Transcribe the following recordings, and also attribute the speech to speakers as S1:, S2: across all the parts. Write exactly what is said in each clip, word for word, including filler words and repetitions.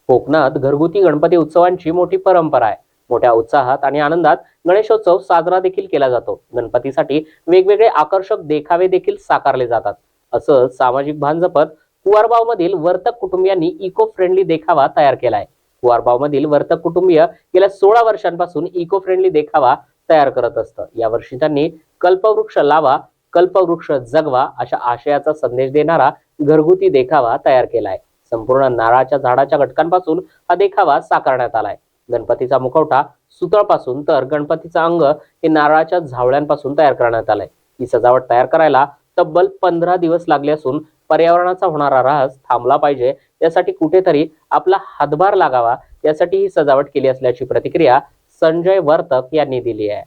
S1: कोकणात घरगुती गणपती उत्सवांची मोठी परंपरा आहे. मोठ्या उत्साहात आणि आनंदात गणेशोत्सव साजरा देखील केला जातो. गणपतीसाठी वेगवेगळे आकर्षक देखावे देखील साकारले जातात. असं सामाजिक भान जपत कुवारबाव मधील वर्तक कुटुंबियांनी इको फ्रेंडली देखावा तयार केलाय. कुवारबाव मधील वर्तक कुटुंबीय गेल्या सोळा वर्षांपासून इको फ्रेंडली देखावा तयार करत असतं. यावर्षी त्यांनी कल्पवृक्ष लावा, कल्पवृक्ष जगवा अशा आशयाचा संदेश देणारा घरगुती देखावा तयार केलाय. संपूर्ण नारळाच्या झाडाच्या घटकांपासून हा देखावा साकारण्यात आलाय. गणपतीचा मुखवटा सुतळपासून तर गणपतीचं अंग हे नारळाच्या झावळ्यांपासून तयार करण्यात आलंय. ही सजावट तयार करायला तब्बल पंधरा दिवस लागले असून पर्यावरणाचा होणारा ऱ्हास थांबला पाहिजे यासाठी कुठेतरी आपला हातभार लागावा यासाठी ही सजावट केली असल्याची प्रतिक्रिया संजय वर्तक यांनी दिली आहे.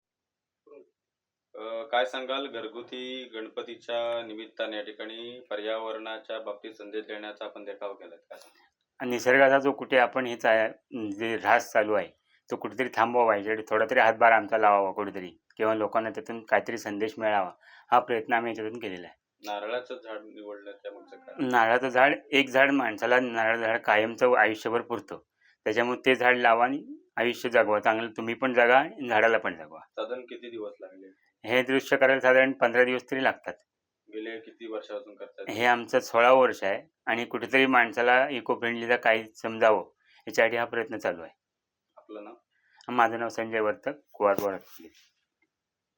S2: अ, काय सांगाल घरगुती गणपतीच्या निमित्ताने या ठिकाणी पर्यावरणाच्या बाबतीत संदेश देण्याचा आपण देखावा केलाय काय सांगाल?
S3: आणि निसर्गाचा जो कुठे आपण हेच आहे जे ऱ्हास चालू आहे तो कुठेतरी थांबवावा, याच्यासाठी थोडा तरी हातभार आमचा लावावा कुठेतरी, किंवा लोकांना त्यातून काहीतरी संदेश मिळावा, हा प्रयत्न आम्ही याच्यातून केलेला आहे.
S2: नारळाचं झाड निवडलं त्यामागचं काय?
S3: नारळाचं झाड, एक झाड माणसाला नारळाचं झाड कायमचं आयुष्यभर पुरतं, त्याच्यामुळे ते झाड लावा आणि आयुष्य जगवा. चांगलं तुम्ही पण जगा आणि झाडाला पण जगवा.
S2: साधारण किती दिवस लागले?
S3: हे दृश्य करायला साधारण पंधरा दिवस तरी लागतात.
S2: गेले किती वर्षापासून करतात?
S3: हे आमचं सोळावं वर्ष आहे आणि कुठेतरी माणसाला इको फ्रेंडलीचा काही समजावं याच्यासाठी हा प्रयत्न चालू आहे.
S2: आपलं नाव?
S3: माझं नाव संजय वर्तक, कुवारबाव.